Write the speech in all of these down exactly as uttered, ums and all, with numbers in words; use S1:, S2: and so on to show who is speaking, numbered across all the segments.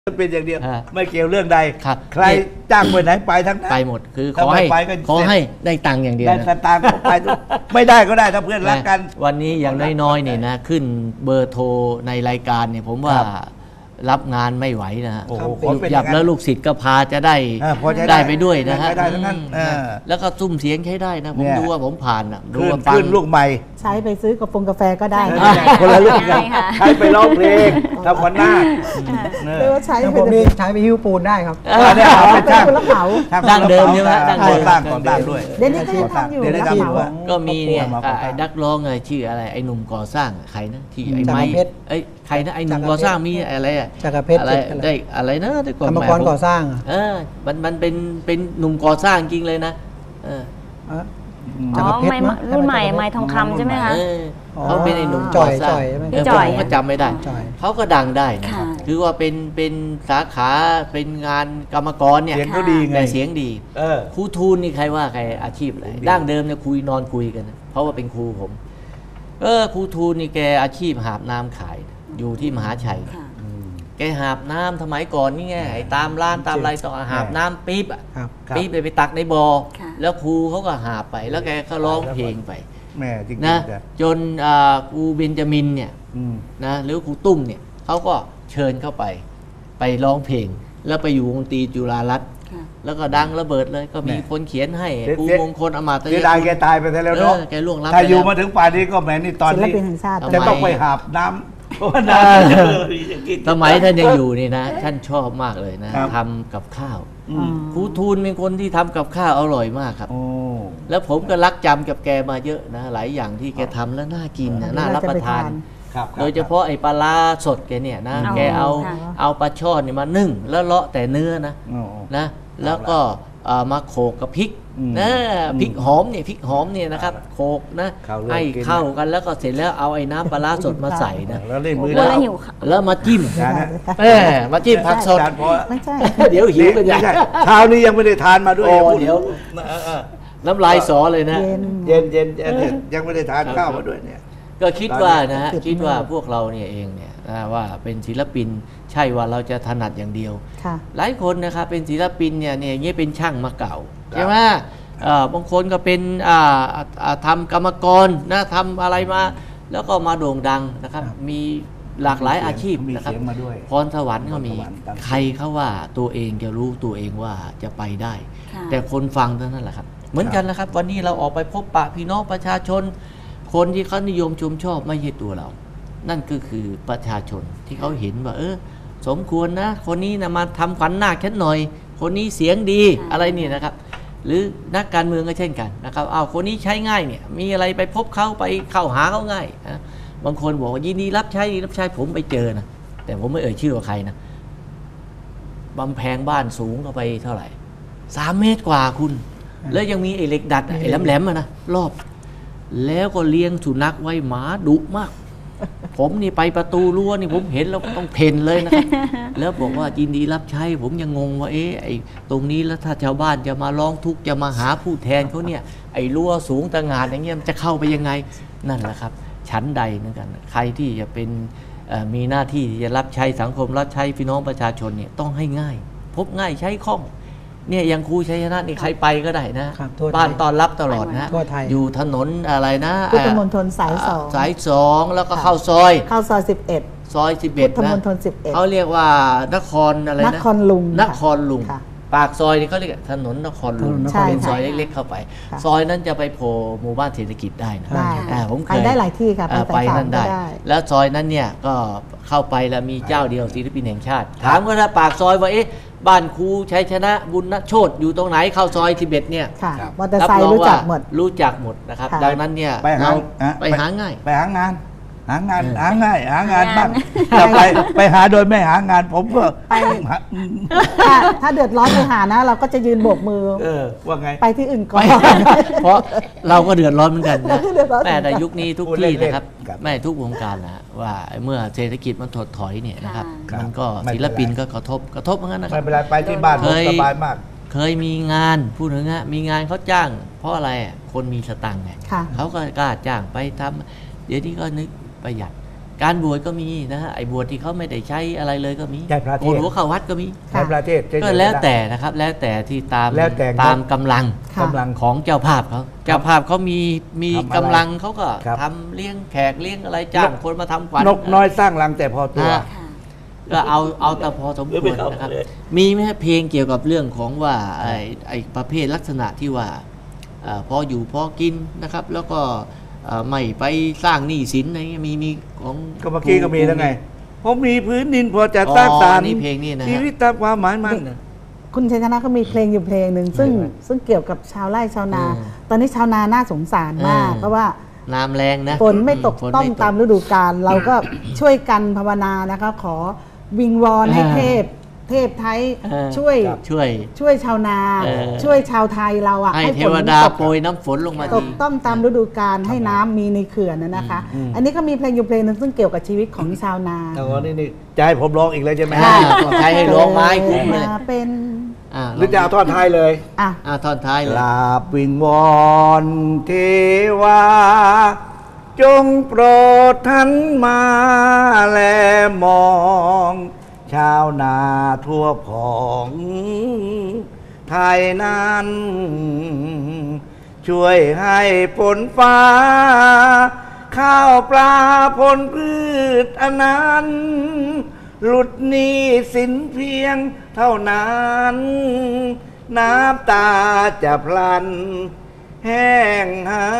S1: เป็นอย่างเดียวไม่เกี่ยวเรื่องใดใครจ้างไปไหนไปทั้งนั้น
S2: ไปหมดคือขอให้ขอให้ได้ตังค์อย่างเดียวได้
S1: ตังค์ไปไม่ได้ก็ได้ถ้าเพื่อนรักกัน
S2: วันนี้อย่างน้อยๆเนี่ยนะขึ้นเบอร์โทรในรายการเนี่ยผมว่ารับงานไม่ไหวนะฮะหยับแล้วลูกศิษย์ก็พาจะได้ได้ไปด้วยนะฮะแล้วก็ซุ้มเสียงใช้ได้นะผมดูว่าผมผ่านนะดูว่าฟัง
S1: ลูกใหม่
S3: ใช้ไปซื้อกาแฟกาแฟก็ได้
S1: คนละเรื่องกันใช้ไปร้องเพลงทำวันหน้า
S3: หรือว่าใช้
S4: ผมนี่ใช้ไปหิ้วปูนได้ครับ
S1: เนี่ยเป็นช่าง
S3: รับเหมา
S2: ดั้งเดิมใช่ไหมดั้งเดิม
S1: ตั้งก่อนตั้งด้วย
S3: เดี๋ยวนี้ก็ยังทำอยู่รับเหมา
S2: ก็มีเนี่ยไอ้นักร้องอะไรชื่ออะไรไอ้หนุ่มก่อสร้างใครนะที่ไอ้ไม้ไอ้ใครนะไอ้หนุ่มก่อสร้างมีอะไรอะอะไรได้อะไรนะที่ก่อน
S4: กรรมกรก่อสร้าง
S2: เออมันมันเป็นเป็นหนุ่มก่อสร้างจริงเลยนะเออ
S5: อ๋อไม้รุ่นใหม่ไม้ทองคำใช่ไหมคะ
S2: เขาเป็นไอ้หนุ่มก่อสร้างผมก็จำไม่ได้เขาก็ดังได้นะคือว่าเป็นเป็นสาขาเป็นงานกรรมกรเนี่ย
S1: เสียงก็ดีไง
S2: เสียงดีครูทูลนี่ใครว่าใครอาชีพอะไรดั้งเดิมเนี่ยคุยนอนคุยกันเพราะว่าเป็นครูผมเออครูทูลนี่แกอาชีพหาบน้ำขายอยู่ที่มหาชัยแกหาบน้ำสมัยก่อนนี่ไงไอ้ตามร้านตามอะไรต่อหาบน้ำปี๊บอ่ะปี๊บเลยไปตักในบ่อแล้วครูเขาก็หาบไปแล้วแกก็ร้องเพลงไปนะจนครูเบนจามินเนี่ยนะหรือครูตุ้มเนี่ยเขาก็เชิญเข้าไปไปร้องเพลงแล้วไปอยู่วงดนตรีจุฬารัตน์แล้วก็ดังระเบิดเลยก็มีคนเขียนให้ครูมงคลอมาตย์
S1: เสียดายแกตายไปแล้วเนาะ
S2: แกล่วงลับ
S1: ถ้าอยู่มาถึงป่านนี้ก็แหมนี่ตอนนี้จะต้องไปหาบน้ำ
S2: สมัยท่านยังอยู่นี่นะท่านชอบมากเลยนะทำกับข้าวครูทูลเป็นคนที่ทำกับข้าวอร่อยมากครับแล้วผมก็รักจำกับแกมาเยอะนะหลายอย่างที่แกทำแล้วน่ากินนะน่ารับประทานโดยเฉพาะไอ้ปลาร้าสดแกเนี่ยนะแกเอาเอาปลาช่อนนี่มานึ่งแล้วเลาะแต่เนื้อนะนะแล้วก็มาโขกกับพริกนะพริกหอมเนี่ยพริกหอมเนี่ยนะครับโขกนะให้เข้ากันแล้วก็เสร็จแล้วเอาไอ้น้ำปลาร้าสดมาใส่นะ
S1: แล้วเล่นมือ
S2: แล้วมาจิ้มเออมาจิ้มผักสด
S3: ไม่ใช่
S2: เดี๋ยวหิวกันยัง
S1: เช้านี้ยังไม่ได้ทานมาด้วย
S2: เดี๋ยวน้ำลายสอเลยนะ
S1: เย็นเย็นยังไม่ได้ทานข้าวมาด้วยเนี่ย
S2: ก็คิดว่านะคิดว่าพวกเราเนี่ยเองเนี่ยว่าเป็นศิลปินใช่ว่าเราจะถนัดอย่างเดียวหลายคนนะครับเป็นศิลปินเนี่ยเนี่ยนี่เป็นช่างมาเก่าใช่ไหมบางคนก็เป็นทำกรรมกรนะทำอะไรมาแล้วก็มาโด่งดังนะครับมีหลากหลายอาชีพนะครับพรสวรรค์ก็มีใครเขาว่าตัวเองจะรู้ตัวเองว่าจะไปได้แต่คนฟังเท่านั้นแหละครับเหมือนกันนะครับวันนี้เราออกไปพบปะพี่น้องประชาชนคนที่เขานิยมชมชอบไม่ใช่ตัวเรานั่นก็คือประชาชนที่เขาเห็นว่าเออสมควรนะคนนี้นะมาทำขวัญนาคแค่หน่อยคนนี้เสียงดีอะไรนี่นะครับหรือนักการเมืองก็เช่นกันนะครับเอาคนนี้ใช้ง่ายเนี่ยมีอะไรไปพบเขาไปเข้าหาเขาง่ายนะบางคนบอกว่ายินดีรับใช้รับใช้ผมไปเจอนะแต่ผมไม่เอ่ยชื่อว่าใครนะบำแพงบ้านสูงเข้าไปเท่าไหร่สามเมตรกว่าคุณแล้วยังมีไอ้เหล็กดัดไอ้แหลมๆนะรอบแล้วก็เลี้ยงสุนัขไว้หมาดุมากผมนี่ไปประตูรั้วนี่ผมเห็นแล้วต้องเพ่นเลยนะครับแล้วบอกว่ายินดีรับใช้ผมยังงงว่าเอ๊ะไอ้ตรงนี้แล้วถ้าชาวบ้านจะมาร้องทุกข์จะมาหาผู้แทนเขาเนี่ยไอ้รั้วสูงตะงานอย่างเงี้ยมันจะเข้าไปยังไงนั่นแหละครับชั้นใดเหมือนกันใครที่จะเป็นมีหน้าที่ที่จะรับใช้สังคมรับใช้พี่น้องประชาชนเนี่ยต้องให้ง่ายพบง่ายใช้คล่องเนี่ยยังครูชัยชนะนี่ใครไปก็ได้นะบ้านตอนรับตลอดนะอยู่ถนนอะไรนะ
S3: พุทธมณฑลสายสอง
S2: สายสองแล้วก็เข้าซอย
S3: เข้าซอยสิบเอ็ด
S2: ซอยสิบเอ็ดนะพุทธ
S3: มณฑลสิบเอ็ด
S2: เขาเรียกว่านครอะไรนะ
S3: นครลุง
S2: นครลุงปากซอยนี่เขาเรียกถนนนครลุงเป็นซอยเล็กๆเข้าไปซอยนั้นจะไปโผล่หมู่บ้านเศรษฐกิจได้นะผมเคย
S3: ไปได้หลายที่ครับ
S2: ไปนั่นได้แล้วซอยนั้นเนี่ยก็เข้าไปแล้วมีเจ้าเดียวศิลปินแห่งชาติถามว่าถ้าปากซอยว่าเอ๊ะบ้านครูชัยชนะบุญณโชติอยู่ตรงไหนเข้าซอยสิบเอ็ดเนี่ย
S3: มอเตอร์ไซค์รู้จักหมด
S2: รู้จักหมดนะครับดังนั้นเนี่ย
S1: ไปหา
S2: ไปหาง่าย
S1: ไปหางานหางานหาง่ายหางานบ้างจะไปไปหาโดยไม่หางานผมก็
S3: ไปถ้าเดือดร้อนไปหานะเราก็จะยืนโบกมือ
S1: ว่าไง
S3: ไปที่อื่นก่อน
S2: เพราะเราก็เดือดร้อนเหมือนกันนะแม่ในยุคนี้ทุกที่นะครับแม่ทุกวงการนะว่าเมื่อเศรษฐกิจมันถดถอยเนี่ยนะครับมันก็ศิลปินก็กระทบกระทบเหมือนกันนะครับ
S1: ไม่เป็นไรไปที่บ้านสบายมาก
S2: เคยมีงานพูดถึงฮะมีงานเขาจ้างเพราะอะไรคนมีสตังค์ไงเขาก็กล้าจ้างไปทำเดี๋ยวนี้ก็นึกประหยัดการบวชก็มีนะฮะไอ้บวชที่เขาไม่ได้ใช้อะไรเลยก็มี
S1: ใช่พระเทศ
S2: โกนหัวเข้าวัดก็มี
S1: ในประเทศเฉยๆ
S2: ก็แล้วแต่นะครับแล้วแต่ที่ตาม
S1: แล้วแต่
S2: ตามกำลัง
S3: ค่ะ
S1: กำลัง
S2: ของเจ้าภาพเขาเจ้าภาพเขามีมี
S1: ทำอะไร
S2: กำลังเขาก็
S1: ครับ
S2: ทำเลี้ยงแขกเลี้ยงอะไรจ้างคนมาทำขวัญ
S1: นกน้อยสร้างรังแต่พอตัว
S2: นะก็เอาเอาแต่พอสมควรนะครับมีไหมฮะเพลงเกี่ยวกับเรื่องของว่าไอ้ไอ้ประเภทลักษณะที่ว่าเอ่อพออยู่พอกินนะครับ แล้วก็เอ่อไม่ไปสร้างหนี้สินอะไรเงี้ยมีมีของ
S1: ก็เมื่อกี้ก็มีแล้วไงผมมีพื้นดินพอจะสร้างสรรค์
S2: นี่เพลงนี่นะ
S1: ชี
S2: ฮะ
S1: วิตตามความหมายมัน
S3: คุณชัยชนะก็มีเพลงอยู่เพลงหนึ่งซึ่งซึ่งเกี่ยวกับชาวไร่ชาวนา ตอนนี้ชาวนาน่าสงสารมาก เพราะว่า
S2: น้ำแรงนะ
S3: ฝนไม่ตก
S2: ฝน
S3: ต้อง
S2: ไม่
S3: ตามฤดูกาลเราก็ช่วยกันภาวนานะคะขอวิงวอนให้
S2: อ่า
S3: เทพ เทพไทย
S2: อ่า
S3: ช่วย
S2: ช่วย
S3: ช่วยชาวนา
S2: เออ
S3: ช่วยชาวไทยเราอ่ะ
S2: ให้เท
S3: ฝน
S2: วดา
S3: ตก
S2: โปรยน้ำฝนลงมา
S3: ต
S2: ที
S3: กต้องตามฤดูกาลให้น้ำมีในเขื่อนนะนะคะ อันนี้ก็มีเพลงอยู่เพลงหนึงซึ่งเกี่ยวกับชีวิตของชาวนา
S1: แต่ว่านี่นี่จะให้ผมร้องอีกแล้วใช่ไหม
S2: อ่าใช้ให้ร้องไม้คุ้มเลย
S3: มาเป็น
S2: อ่า
S1: หรือจะเอาท่อนท้ายเลย
S3: อ่ะ
S2: อ่าท่อนท้าย
S1: ก
S2: เลย
S1: ราบวิงวอนเทวา จงโปรดท่านมาแลมอง ชาวนาทั่วของไทยนั้น ช่วยให้ผลฟ้า ข้าวปลาผลพืชอันนั้นหลุดหนี้สินเพียงเท่านั้น น้ำตาจะพลัน แห้งหาย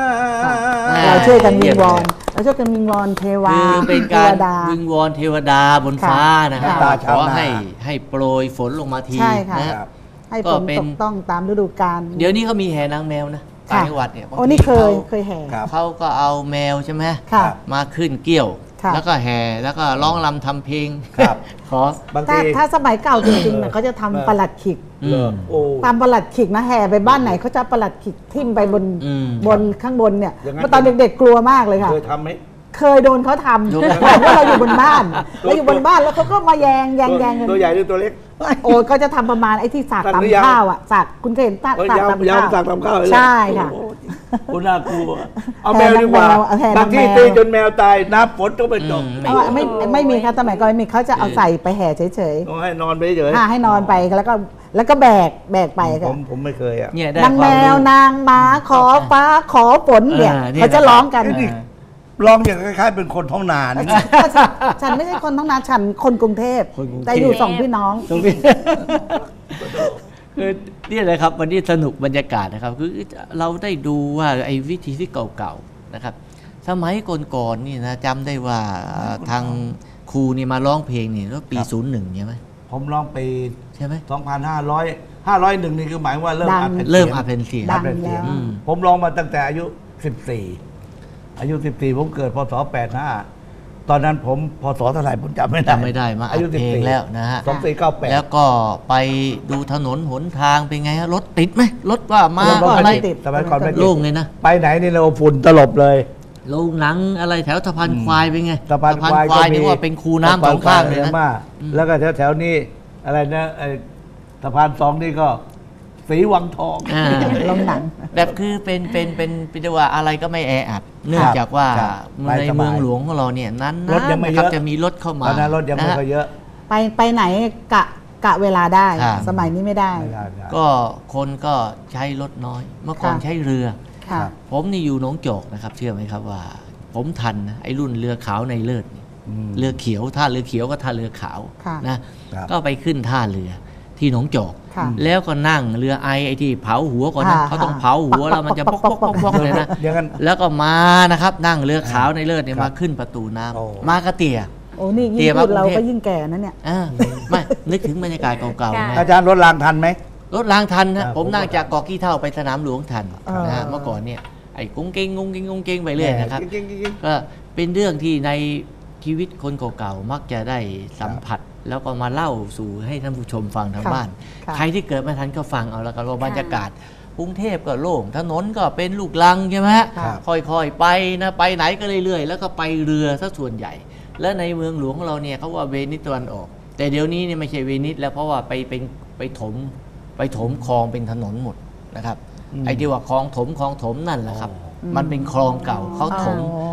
S3: เราช่วยกันวิงวอนเราช่วยกันวิงวอนเทวา
S2: คือเป็น
S3: เท
S2: การ
S3: วดา
S2: วิงวอนเทวดาบนฟ้านะครับ
S3: ค่ะ
S2: ขอให้ให้โปรยฝนลงมาที
S3: ใช่ค่ะ
S2: นะ
S3: ให้
S2: ก็
S3: ฝน
S2: เป็น
S3: ตกต้องตามฤดูกาล
S2: เดี๋ยวนี้เขามีแห่นางแมวนะต่างจังหวัดเนี่ยบาง
S3: โอ้
S2: ที
S3: นี่เคย
S2: ขา
S3: เคยแห่
S1: ครับ
S2: เขาก็เอาแมวใช่ไหม
S3: ค่ะ
S2: มาขึ้นเกี้ยว
S3: ค่ะ
S2: แล้วก็แห่แล้วก็ร้องรำทำเพลง
S1: ครับ
S2: ขอบ
S1: าง
S3: ถ้า
S1: ที
S3: ถ้าสมัยเก่าจริงๆเนี่ยเขาจะทำประหลัดขิก
S2: อืม
S1: โอ้
S3: ตามประหลัดขิกนะแห่ไปบ้านไหนเขาจะประหลัดขิกทิ่มไปบน
S2: อืม
S3: บนข้างบนเนี่ย
S1: อย่างนั้น
S3: เมื่อตอนเด็กๆกลัวมากเลยค่ะ
S1: เคยทำไหม
S3: เคยโดนเขาทำ
S2: โดน
S3: เพราะว่าเราอยู่บนบ้านเราอยู่บนบ้านแล้วเขาก็มาแยงแยงแยงกัน
S1: ตัวใหญ่หรือตัวเล็ก
S3: โอ้เขาจะทำประมาณไอ้ที่สาก
S1: ตัดหรือยัง
S3: ตำข้าวอ่ะสากคุณเคยเห็นสาก
S1: เอ้ย
S3: สาก
S1: ยาว
S3: ตำ
S1: ยาว
S3: ข้าว
S1: สากตำข้าวเลย
S3: ใช่ค่ะ
S1: โอ้โหโอ้น่ากลัว เอา
S3: แท
S1: แม
S3: น
S1: วดีกว่า
S3: แมวเอาแทน
S1: บางที่
S3: แมว
S1: ตีจนแมวตายน้ำฝนก็ไม่ตก
S2: อืม
S3: เพราะว่าไม่ไม่มีค่ะสมัยก่อนไม่มีเขาจะเอาใส่ไปแห่เฉย
S1: ต้องให้นอนไปเฉย
S3: ๆอ่าให้นอนไปแล้วก็แล้วก็แบกแบกไป
S1: ผ
S3: ค่ะ
S1: มผมไม่เคยอ่ะ
S2: เนี่ยได้
S3: นาง
S2: ค
S3: แม
S2: วามรู้
S3: วนางม้าขอฟ้าขอฝนเนี่ย
S2: อ่าเนี่ย
S3: เขาจะร้องกัน
S2: อ่า
S1: ร้องอย่างคล้ายๆเป็นคนท้องนานี่
S3: ฉันฉันไม่ใช่คนท้องนาฉันคนกรุงเทพ
S2: คนกรุงเทพ
S3: แต่อยู่สองพี่น้อง
S2: ตรงนี้ คือเนี่ยเลยครับวันนี้สนุกบรรยากาศนะครับ คือเราได้ดูว่าไอ้วิธีที่เก่าๆนะครับ สมัยก่อนๆนี่นะจำได้ว่าทางครูนี่มาร้องเพลงนี่แล้วปี
S1: ครับ
S2: ศูนย์หนึ่งใช่ไหม
S1: ผมร้องปี
S2: ใช่ไหม
S1: สองพันห้าร้อย ห้าร้อยเอ็ด นี่คือหมายว่าเริ่ม
S3: ดัง
S1: อัดแผ่น
S2: เริ่ม
S1: สียง
S2: อัดเป็นเสียง
S3: ดัง
S1: อัดแผ่นเสียง
S3: แล้ว
S2: อืม
S1: ผมร้องมาตั้งแต่อายุสิบสี่อายุสิบสี่ผมเกิดพศแปดห้าตอนนั้นผมพศเท่าไหร่ผมจำไม่ได้
S2: จำไม่ได้มาอั
S1: อา
S2: ด
S1: ยุ
S2: เพลงแล้วนะฮะ
S1: สองสี่เก้าแปด
S2: แล้วก็ไปดูถนนหนทางเป็นไงฮะรถติดไหมรถว่ามา
S1: รถ
S2: อะไร
S1: ไม่ติดสมัยก่อนไม่ติด
S2: โล่งเลยนะ
S1: ไปไหนนี่เราฝุ่นตลบเลย
S2: โรงหนังอะไรแถวสะพานควายเป็นไง
S1: สะพานควาย
S2: สะพนนี่ว่าเป็นคูน้ำสองข้างเลยนะ
S1: มากแล้วก็แถวแถวๆนี้อะไรนะไอ้สะพานสองนี่ก็สีวังทอง
S2: อ่า
S3: ลงหนัง
S2: แบบคือเป็นเป็นเป็นเป็นว่าอะไรก็ไม่แออัดเนื่องจากว่า
S1: ครับ
S2: ในเมืองหลวงของเราเนี่ยนั้น
S1: รถยังไม่
S2: นะ
S1: เย
S2: ครับ
S1: อะ
S2: จะมีรถเข้ามา
S1: ตอนนั้นรถยังไม่
S2: นะฮะ
S1: ค่อยเยอะ
S3: ไปไปไหนกะกะเวลาได้
S2: ครับ
S3: สมัยนี้ไม่ได้
S1: ไม่ได้ไม่ได้
S2: ก็คนก็ใช้รถน้อย เมื่อก่อน
S3: ค่ะ
S2: ใช้เรือ
S3: ค่ะ
S2: ผมนี่อยู่หนองจอกนะครับ เชื่อไหมครับว่า ผมทันนะไอ้รุ่นเรือขาวในเลิศนี่
S1: อืม
S2: เรือเขียวท่าเรือเขียวก็ท่าเรือขาว
S3: ค่ะ
S2: นะครับ ก็ไปขึ้นท่าเรือที่หนองจอก
S3: ค่ะ
S2: แล้วก็นั่งเรือไอไอที่เผาหัวก่อนนะ
S3: ค่ะ
S2: เขาต้องเผาหัวแล้วมันจะปอกปอกปอกปอกเลยนะ
S1: อย่างนั้น
S2: แล้วก็มานะครับ นั่งเรือขาวในเลิศเนี่ยมาขึ้นประตูน้ำ
S1: โอ้
S2: มากระเตีย
S3: โอ้นี่
S2: เตรี
S3: ยิ่
S2: ย
S3: ง
S2: ม
S3: พูด
S2: มากรุง
S3: เรา
S2: เทพ
S3: ก็ยิ่งแก่นะเนี่ย
S2: อ่าไม่นึกถึงบรรยากาศเก่าๆนะ
S1: อาจารย์รถรางทันไหม
S2: รถรางทัน
S1: ครั
S2: นะ
S1: บ
S2: ผมนั่งจากเกาะกี้เท่าไปสนามหลวงทัน
S3: อ่าน
S2: นะฮะเมื่อก่อนเนี่ยไอ้กุ้งเก้งกุ้งเก้งกุ้งเก้งไปเรื่อยนะครับ
S1: จริงๆ
S2: ก็เป็นเรื่องที่ในชีวิตคนเก่าๆมักจะได้สัมผัส แล้วก็มาเล่าสู่ให้ท่านผู้ชมฟังทาง
S3: ค่ะ
S2: บ้าน
S3: ค่ะ
S2: ใครที่เกิดไม่ทันก็ฟังเอาแล้วกันว่าบรรยากาศกรุงเทพก็โล่งถนนก็เป็นลูกลังใช่ไหมฮะ
S3: ค่ะ
S2: ค่อยๆไปนะไปไหนก็เรื่อยๆ แล้วก็ไปเรือซะส่วนใหญ่ และในเมืองหลวงของเราเนี่ยเขาว่าเวนิสตะวันออก แต่เดี๋ยวนี้เนี่ยไม่ใช่เวนิสแล้วเพราะว่าไปเป็นไปถมไปถมคลองเป็นถนนหมดนะครับไอ้ที่ว่าคลองถมคลองถมนั่นแหละครับ มันเป็นคลองเก่าเขาถม
S3: อ๋อ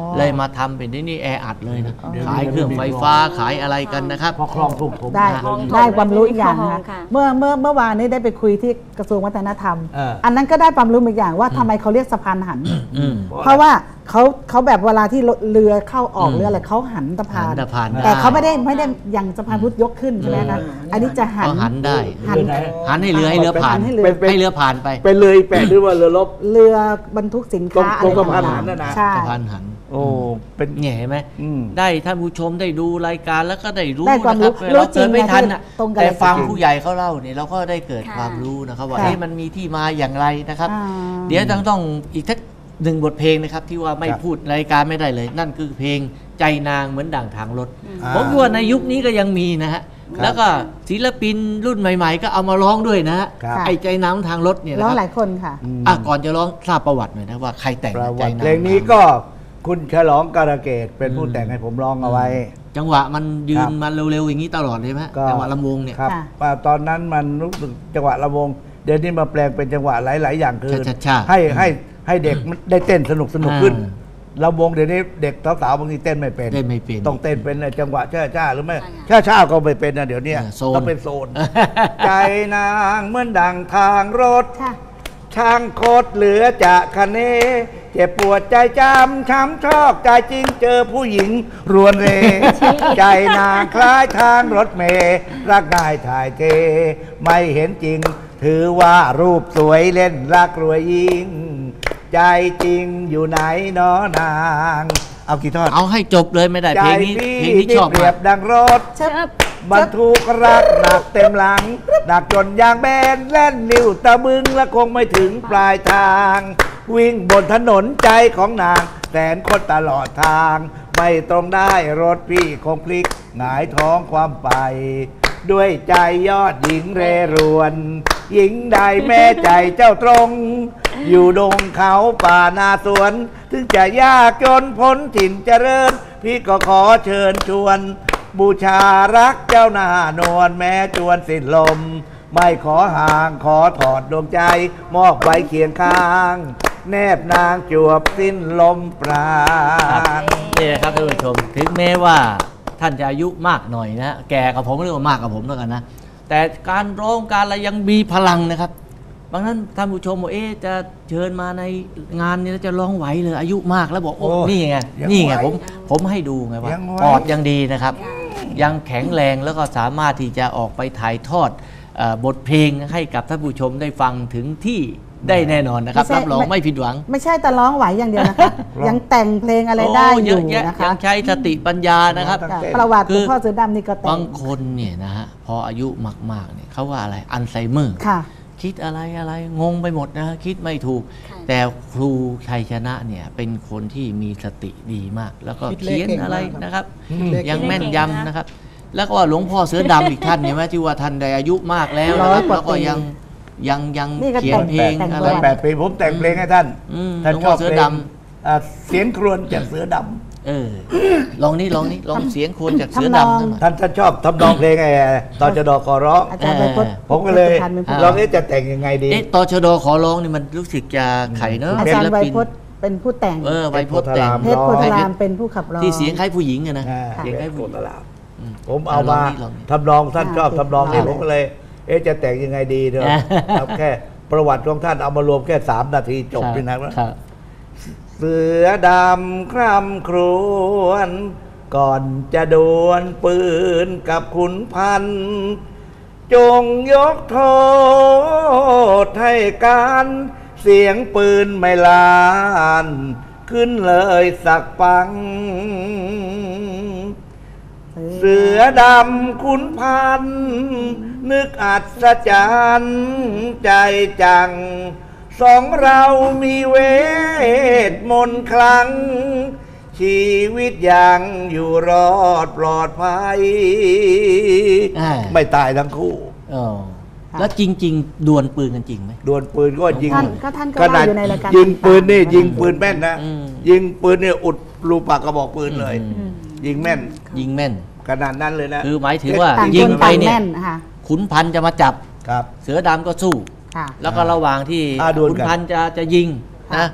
S2: เลยมาทำเป็นที่นี่แออัดเลยนะขายเครื่องไฟฟ้าขายอะไรกันนะครับ
S1: พอคลองถูกผม
S3: ได้
S1: เลย
S3: ได้ความรู้อีกอย่างนะ
S5: คลอง
S3: คะ
S5: ค่ะ
S3: เมื่อเมื่อเมื่อวานนี้ได้ไปคุยที่กระทรวงวัฒนธรรม
S1: เอออั
S3: อันนั้นก็ได้ความรู้อีกอย่างว่าทำไมเขาเรียกสะพานหัน
S2: อืม
S3: เพราะว่าเขาเขาแบบเวลาที่เรือเข้าออกเรืออะไรเขาหันสะพาน
S2: หันสะพาน
S3: แต่
S2: ได้
S3: เขาไม่ได้ไม่ได้อย่างสะพานพุทธยกขึ้นใช่ไหมคะอันนี้จะหัน
S2: เขาหันได้
S3: หัน
S2: หันให้เรือให้เรือผ่าน
S3: หันให้เรือ
S2: ให้เรือผ่านไป
S1: เป็นเลยแปะหรือว่าเรือรบ
S3: เรือบรรทุกสินค้า
S1: ตรง
S3: อะไร
S1: ตรงสะพาน
S3: ต่าง
S1: หันน่ะนะ
S3: ๆใช่
S2: สะพานหัน
S1: โอ้เป็น
S2: เนี่ยเห็นไหม
S1: อืม
S2: ได้ท่านผู้ชมได้ดูรายการแล้วก็ได้รู้
S3: ได้ความ
S2: นะค
S3: รู้
S2: รับเราเกิดไม่ทันอ่ะ
S3: ตรงกัน
S2: แต่ฟัง
S3: เลย
S2: ผู้ใหญ่เขาเล่าเนี่ยเราก็ได้เกิด
S5: ค่ะ
S2: ความรู้นะครับว่า
S3: ค่ะ
S2: เอ๊ะมันมีที่มาอย่างไรนะครับ
S3: อ่า
S2: เดี๋ยวต้องต้องอีกทักหนึ่งบทเพลงนะครับที่ว่าไม่
S1: ครับ
S2: พูดรายการไม่ได้เลย นั่นคือเพลงใจนางเหมือนด่างทางรถ
S1: อ่า
S2: ผมคิดว่าในยุคนี้ก็ยังมีนะฮะ
S1: ครับ
S2: แล้วก็ศิลปินรุ่นใหม่ ๆ ก็เอามาร้องด้วยนะฮะ
S1: ครับ
S2: ไอ้ใจนางทางรถเนี่ยนะ
S3: ร้อง
S2: ค
S3: ห
S2: รั
S3: ลายคนค่ะ
S1: ม
S2: อ่ะก่อนจะร้องทราบประวัติหน่อยนะว่าใครแต่ง
S1: ประ
S2: ใจ
S1: วัติ
S2: นาง
S1: เพลงนี้ก็คุณฉลองการะเกดเป็นผู้แต่งให้ผมร้องเอาไว้
S2: จังหวะมันยื
S1: ครั
S2: น
S1: บ
S2: มาเร็วๆอย่างนี้ตลอดเลยไหม
S1: ก็
S2: จังหวะลำวงเนี่ย
S1: ครับ
S3: ค่ะ
S1: ว่าตอนนั้นมันรู้สึกจังหวะระวง เดี๋ยวนี้มาแปลงเป็นจังหวะหลาย ๆ อย่างคือ
S2: ช้าๆ
S1: ให้ให้ให้เด็กมันได้เต้นสนุกสนุกขึ้น
S2: อ่า
S1: ระวงเดี๋ยวนี้เด็กสาวๆบางทีเต้นไม่เป็น
S2: เต้นไม่เป็น
S1: ต้องเต้นเป็นจังหวะช้าๆหรือไม่
S5: ใช่ค่ะ
S1: ช้าๆก็ไม่เป็นนะเดี๋ยวนี้
S2: อ่าโซน
S1: ต้องเป็นโซน ใจนางเหมือนดังทางรถ
S3: ค่ะ
S1: ช่างโคตรเหลือจะคะเนเจ็บปวดใจจำช้ำชอกใจจริงเจอผู้หญิงรวนเร ใจนางคล้ายทางรถเมล์รักง่ายถ่ายเท ไม่เห็นจริง ถือว่ารูปสวยเล่นรักรวยยิ่ง ใจจริงอยู่ไหนน้อนาง เอากี่ทอด
S2: เอาให้จบเลยไม่ได้
S1: ใจ
S2: เพลงนี้
S1: พี่
S2: เพลงนี้
S1: ที่
S2: ชอบ
S1: เปรี
S2: มาย ก
S1: บดังรถ
S3: เชิบ
S1: บรรทุกรักหนักเต็มหลังหนักจนยางแบนแล่นนิ้วตะบึงและคงไม่ถึงปลายทาง วิ่งบนถนนใจของนางแสนคนตลอดทาง ไม่ตรงได้รถพี่คงพลิกหงายท้องความไป ด้วยใจยอดหญิงเรรวน หญิงใดแม่ใจเจ้าตรง อยู่ดงเขาป่านาสวน ถึงจะยากจนพ้นถิ่นเจริญ พี่ก็ขอเชิญชวน บูชารักเจ้าหน้านวลแม้จวนสิ้นลม ไม่ขอห่างขอถอดดวงใจ มอบไว้เคียงข้าง แนบนางจวบสิ้นลมปราณ
S2: นี่นะครับท่านผู้ชมถึงแม้ว่าท่านจะอายุมากหน่อยนะแก่กับผมหรือว่ามากกับผมแล้วกันนะแต่การร้องการอะไรยังมีพลังนะครับบางท่านท่านผู้ชมบอกเอ๊ะจะเชิญมาในงานนี้แล้วจะร้องไหวเลยอายุมากแล้วบอกโอ้
S1: โอ้
S2: นี่ไง
S1: ยัง
S2: นี่ไง
S1: ไหว
S2: ผมผมให้ดูไงว่า
S1: ยังไหว
S2: ปอดยังดีนะครับ ยังแข็งแรงแล้วก็สามารถที่จะออกไปถ่ายทอดเอ่อบทเพลงให้กับท่านผู้ชมได้ฟังถึงที่ได้แน่นอนนะครับ
S3: ไม่ใช่
S2: รับรองไม่ผิดหวัง
S3: ไม่ใช่แต่ร้องไหวอย่างเดียวนะคะ ยังแต่งเพลงอะไรได้
S2: โ
S3: อยู่
S2: เะแย
S3: นะคะ
S2: ยังใช้สติปัญญานะครับ
S1: ตั้ง
S3: ค่ะ
S1: แต่
S3: ประวัติห
S2: คื
S3: ลว
S2: อ
S3: งพ่อเสือดำนี่ก็แต่
S2: บาง งคนเนี่ยนะฮะพออายุมากๆเนี่ยเขาว่าอะไรอัลไซเมอร์
S3: ค่ะ
S2: คิดอะไรอะไรงงไปหมดนะคิดไม่ถูก
S5: ค่ะ
S2: แต่ครูชัยชนะเนี่ยเป็นคนที่มีสติดีมาก แล้วก็
S4: คิดเลข
S2: เขียน
S4: เก่ง
S2: อะไร
S4: มากครับ
S2: นะครับ
S4: คิดเลข
S2: ยังแม่น
S5: เก่งนะ
S2: ยำนะครับ แล้วก็ว่าหลวงพ่อเสือดำอีกท่านเนี่ยไหมที่ว่าท่านได้อายุมากแล้วนะครับ
S3: ร้อยกว่า
S2: แล้วก็
S3: ปี
S2: ยังยังยัง
S3: นี่ก็
S2: เขียนเพลง
S3: แต่ง
S2: อะไร
S3: แต่ง
S1: แปดปีผมแต่งเพลงให้ท่าน
S2: อืม
S1: ท่าน
S2: หลวง
S1: ช
S2: พ่
S1: อ
S2: อบ เสือ
S1: เพล
S2: ด
S1: งอ่าเสียงครวญจากเสือดำ
S2: เออลองนี่ลองนี่ลองเสียงโคนจากเสือ
S3: ทำนอง
S2: ดำนั่นหน่อย
S1: ท่านท่านชอบทำนองเพลงไอ้ตอนจะดอกขอร้อง
S3: อาจารย์ไปพจน์
S1: ผมก็เลย
S3: พันธ์เป็นผู้
S2: อ่า
S1: ลองเอ๊ะจะแต่งยังไงดี
S2: เอ๊ะตชดขอร้องนี่มันรู้สึกจะไข่เนอะ
S3: อาจารย์
S2: ศิล
S3: ไว
S2: ปิน
S3: พจน์เป็นผู้แต่ง
S2: เออไวโพจน์แต่ง
S3: เพชรโพธารามเป็นผู้ขับร้อง
S2: ที่เสียงคล้ายผู้หญิงอะนะ
S1: อ่า
S2: เสียงคล้าย
S1: โค
S2: ผู้หญิ
S1: ต
S2: ง
S1: รลาบผมเอามา
S2: ลองนี่ลองนี่
S1: ทำนองท่านชอบ
S3: อ่า
S1: ทำนองนี่
S3: อ่า
S1: ผมก็เลย เอ๊ะจะแต่งยังไงดีเถอะ
S2: อ่า
S1: เอาแค่ประวัติของท่านเอามารวมแค่สามนาทีจบนี่นะครับ เสือดำคร่ำครวญก่อนจะดวลปืนกับขุนพันธ์จงยกโทษให้การเสียงปืนไม่ลานขึ้นเลยสักปัง เสือดำขุนพันธ์นึกอัศจรรย์ใจจัง สองเรามีเวทมนต์คลัง ชีวิตยังอยู่รอดปลอดภัย
S2: อ่า
S1: ไม่ตายทั้งคู่
S2: อ๋อแล้วจริง ๆ ดวลปืนกันจริงไหม
S1: ดวลปืนก็ยิง
S3: ท่านก็ท่านก็
S1: ขนาด
S3: เล่าอยู่ในรายการ
S1: ยิงปืนนี่
S3: ต่างๆ
S1: ยิงปืนแม่นนะ
S2: อืม
S1: ยิงปืนเนี่ยอุดรูปากกระบอกปืนเลย
S2: อืม
S1: ยิงแม่น
S2: ยิงแม่น
S1: ขนาดนั้นเลยนะ
S2: คือหมายถึงว่า
S3: ต่าง
S2: ยิ
S3: ค
S2: ง
S3: น
S2: ไป
S3: ต่าง
S2: เนี่ย
S3: แม่นค่ะ
S2: ขุนพันธุ์จะมาจับ
S1: ครับ
S2: เสือดำก็สู้
S3: ค่ะ
S2: แล้วก็ระหว่างที่
S1: อ่าดวลกัน
S2: ขุนพันธุ์จะจะยิง
S3: ค่ะ
S2: นะก็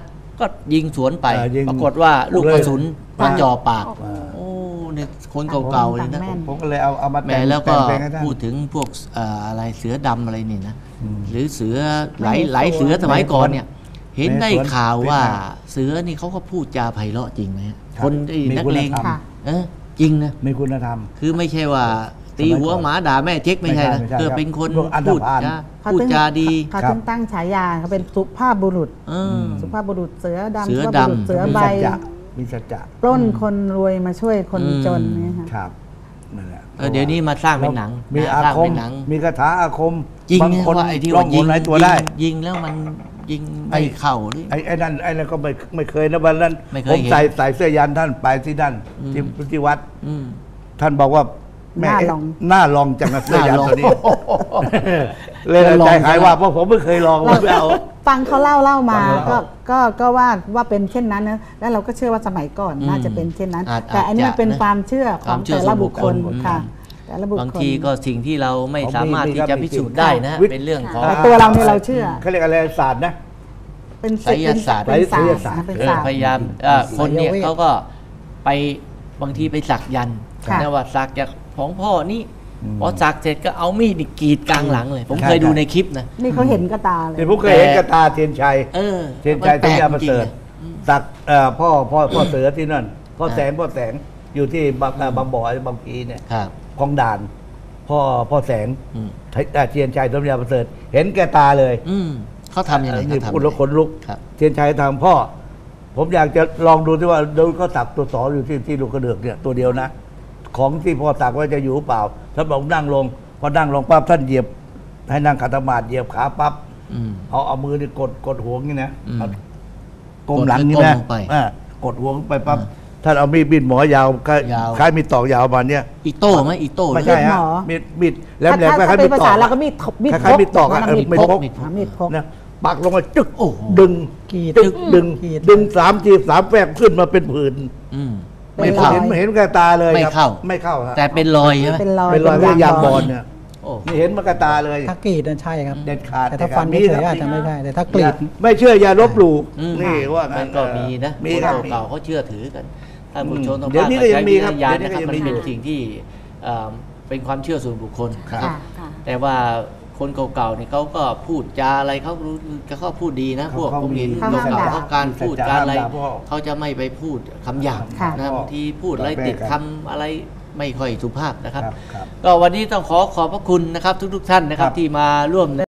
S2: ก็ยิงสวนไป
S1: เออยิง
S2: ปรากฏว่าลูกกระสุน
S1: เลย
S2: มาจ่อปาก
S1: อ่า
S2: โอ้เนี่ยคนเก่าๆเลยนะ
S3: แม่น
S1: ผมก็เลยเอาเอามา
S2: แหม
S1: แต่ง
S2: แล้วก็
S1: แต่งเพลงให้ท่าน
S2: พูดถึงพวกเอ่ออะไรเสือดำอะไรนี่นะ
S1: อืม
S2: หรือเสือหลาย
S3: ไม่
S2: หลายเสือสมัยก่อนเนี่ย เห็นได้
S1: ไม่สวน
S2: ข่าวว่า
S1: เป็นไง
S2: เสือนี่เขาก็พูดจาไพเราะจริงไหมฮะ
S1: ครับ
S2: คนไอ้
S1: มี
S2: นัก
S1: คุณ
S2: เลง
S1: ธรรม
S3: ค่ะ
S2: เออจริงนะ
S1: มีคุณธรรม
S2: คือไม่ใช่ว่า ตีหัวหมาด่าแม่เจ๊กไม่ใช่นะ
S1: ไม่ใช่ไม่ใช่
S2: คือเป็นคน
S1: พวกอันธ
S2: พูด
S1: พาล
S2: จา
S3: เขา
S2: พูด
S3: ถึง
S2: จาดี
S3: เขา
S1: ครับ
S3: ถึงตั้งฉายาเขาเป็นสุภาพบุรุษ
S2: เออ
S3: สุภาพบุรุษเสือดำ
S2: เสือ
S3: สุภาพบุรุษ
S2: ดำ
S3: เสือ
S1: มี
S3: ใบ
S1: สัจจะมีสัจจะ
S3: ปล้นคนรวยมาช่วยคน
S2: อืม
S3: จนเนี่ยค่ะ
S1: ครับนั่นแหละ
S2: เออเดี๋ยวนี้มาสร้างเป็นหนัง
S1: มี
S2: นะ
S1: อา
S2: สร้าง
S1: คม
S2: เป็นหนัง
S1: มีคาถาอาคม
S2: จริง
S1: บาง
S2: นะ
S1: คน
S2: ว่าไอ้ที่
S1: ร้อ
S2: ว่าง ยิ
S1: หน
S2: ง
S1: หลายตัวได้
S2: ยิงแล้วมันยิง
S1: ไอ้
S2: ไม่เข้าหรือ
S1: ไอ้ไอ้นั่นไอ้นั่นก็ไม่ไม่เคยนะวันนั้น
S2: ไม่เคย
S1: ผม
S2: เห็น
S1: ใส่ใส่เสื้อยันท่านไปที่นั่น
S2: อืม
S1: ที่ที่วัด
S2: อืม
S1: ท่านบอกว่าแม่
S3: หน้า
S1: เอ๊ะ
S3: ลอง
S1: หน้าลองจังนะเสื้อยัน
S2: หน้าลอง
S1: ตัวนี้ เลย
S2: ลอง
S1: ใจหาย
S2: จัง
S1: ว่าเพราะผมไม่เคยลองผมไม่เอา
S3: ฟังเขาเล่าเล่ามา
S1: ฟังเขา
S3: ก็
S1: เล่า
S3: ก็ก็ว่าว่าเป็นเช่นนั้นนะแล้วเราก็เชื่อว่าสมัยก่อน
S2: อืม
S3: น่าจะเป็นเช่นนั้น
S2: อาจ
S3: แต่อันนี้มันเป็น
S2: อาจจะนะ
S3: ความเชื่อข
S2: ค
S3: อ
S2: วาง มเชื่อ
S3: แต่ละบุคคล
S2: ส่วนบุคคล
S3: ค่ะแต่ละบุคคล
S2: บางทีก็สิ่งที่เราไม่สามารถ
S1: มี
S2: ที่
S1: ครับ
S2: จะ
S1: มี
S2: พิสูจน์
S1: จริง
S2: ได้นะ
S1: วิทย์
S2: เป็นเรื่องของ
S3: แต่ตัวเราเนี่ยเราเชื่อ
S1: เขาเรียกอะไรศาสตร์นะ
S3: เป็น
S2: ไสยศาสตร์
S3: เป็นศาสต
S1: ไสย
S3: ร์
S1: ศาสตร์
S3: นะเป็น
S2: เออ
S3: ศาสตร์
S2: พยายามเอ่อคนเนี่ย
S4: ไสยเวท
S2: เขาก็ไปบางทีไปสักยันต์
S3: ค่ะ
S2: นะว่าสักจากของพ่อนี่
S1: อืม
S2: พอสักเสร็จก็เอามีดนี่กรีดกลางหลังเลย ผม
S1: ใช่
S2: เคยดู
S1: ใช่
S2: ในคลิปนะ
S3: นี่เขาเห็นกระตาเลย
S1: ที่ผมเคยเห็นกระตาเทียนชัย
S2: เออ
S1: เทียนชัย
S2: มั
S1: สัญญา
S2: แป
S1: ป
S2: ล
S1: ระ
S2: กจริ
S1: เส
S2: ง
S1: ริฐ
S2: ๆอะ
S1: สักเอ่อพ่อพ่อพ่อเสือที่นั่นพ่อ
S2: อ่า
S1: แสงพ่อแสงอยู่ที่บางเอ่อบางบ่อบางพีเนี่ย
S2: ครับ
S1: คลองด่าน พ่อพ่อแสง
S2: อืม
S1: เอ่อเทียนชัยสัญญาประเสริฐเห็นแก่ตาเลย
S2: อืมเขาทำยังไง
S1: นี่
S2: เขาทำ
S1: พูดแล้วขนลุก
S2: ครับ
S1: เทียนชัยทางพ่อ ผมอยากจะลองดูที่ว่าโดนเขาสักตัวสออยู่ที่ที่ลูกกระเดือกเนี่ยตัวเดียวนะ ของที่พ่อสักว่าจะอยู่หรือเปล่าท่านบอกนั่งลงพอนั่งลงปั๊บท่านเหยียบ ให้นั่งขัดสมาธิเหยียบขาปั๊บ
S2: อืม
S1: เอาเอามือนี่กดกดหัวงี้นะ
S2: อืม
S1: เอาก้มหลังนี่
S2: กดแล้
S1: นะ
S2: วก้มลงไป
S1: อ่ากดหัวลงไปปั๊บ
S2: อ่า
S1: ท่านเอามีดบินหมอยาวคล้าย
S2: ยาว
S1: คล้ายมีดตอกยาวมาเนี่ย
S2: อีโต้ไหมอีโต้
S1: ไม่ใช่
S3: มีดหม
S1: ฮะ
S3: อ
S1: มีดมีดแหลม
S3: ถ้า
S1: แหลม
S3: ถ้า
S1: คล้ายๆ
S3: เป็
S1: มี
S3: น
S1: ด
S3: ภา
S1: ตอ
S3: ษาก เราก็มีดมีด
S1: คล้ายๆมีดตอกอะ
S3: นะ
S1: เออ
S3: มีด
S1: ไม่
S3: พก
S1: พก
S3: อ่ามีดพก
S1: นะปักลงมาจึ๊ก
S2: โอ้โห
S1: ดึง
S4: กรีด
S1: จึ๊กดึง
S4: กรีด
S1: ดึงสามทีสามแฝกขึ้นมาเป็นผื่น
S2: อืม
S3: เป็น
S2: ไม่
S3: ร
S2: เข้า
S3: อย
S1: เห็นไม่เห็นกับตาเลย
S2: ไม่
S1: ครับ
S2: เข้า
S1: ไม่เข้าฮะ
S2: แต่เป็นรอยใช่ไหม
S3: เป็นรอย
S1: เป็นรอย
S3: ป็
S1: เป็นยางบอล
S3: ล
S1: เนี่ย
S2: โอ้
S1: นี่เห็นมากระตาเลย
S4: ถ้ากรีดนั่นใช่ครับ
S1: เด็ดขาด
S4: แต่ถ้า
S1: เด็ดขาด
S4: ฟัน
S1: มี
S4: เฉ
S1: ครั
S4: ย
S1: บ
S4: ๆอาจจะไม่ใช่ แต่ถ้ากรีด
S1: ไม่เชื่ออย่าลบหลู่
S2: อืม
S1: นี่ว่า
S2: มั
S1: งั้
S2: น
S1: น
S2: ก็มีนะ
S1: มี
S2: คน
S1: ครับ
S2: เก่าๆเขาเชื่อถือกันท่านผู้ชมต้อง
S1: เดี๋ยวนี้ก็ยังมีครับ
S2: ใช้วิจารณญาณ
S1: เดี๋ยวนี้
S2: นะครับ
S1: ก็ยัง
S2: มัน
S1: มี
S2: เป็น
S1: อยู่
S2: สิ่งที่เอ่อเป็นความเชื่อส่วนบุคคล
S1: ครับ
S2: นะ
S3: ค่ะ
S5: ค่ะ
S2: แต่ว่าคนเก่าๆนี่เขาก็พูดจาอะไรเขารู้เขาก็พูดดีนะ พวก
S1: เขา
S2: ผมเห็น
S3: เขาห้าม
S2: เก่า
S3: ด่า
S2: ๆเขาการพูดการอะไร
S1: ห้ามด่าพ่อ
S2: เขาจะไม่ไปพูดคำหยาบ
S3: ค่ะ
S2: นะบางทีพูดอะไร
S1: แปลกๆ
S2: ติดคำอะไรไม่ค่อยสุภาพนะครับ
S1: ครับครับ
S2: ก็วันนี้ต้องขอขอบพระคุณนะครับ ทุกๆท่านนะครับ
S1: ครับ
S2: ที่มาร่วม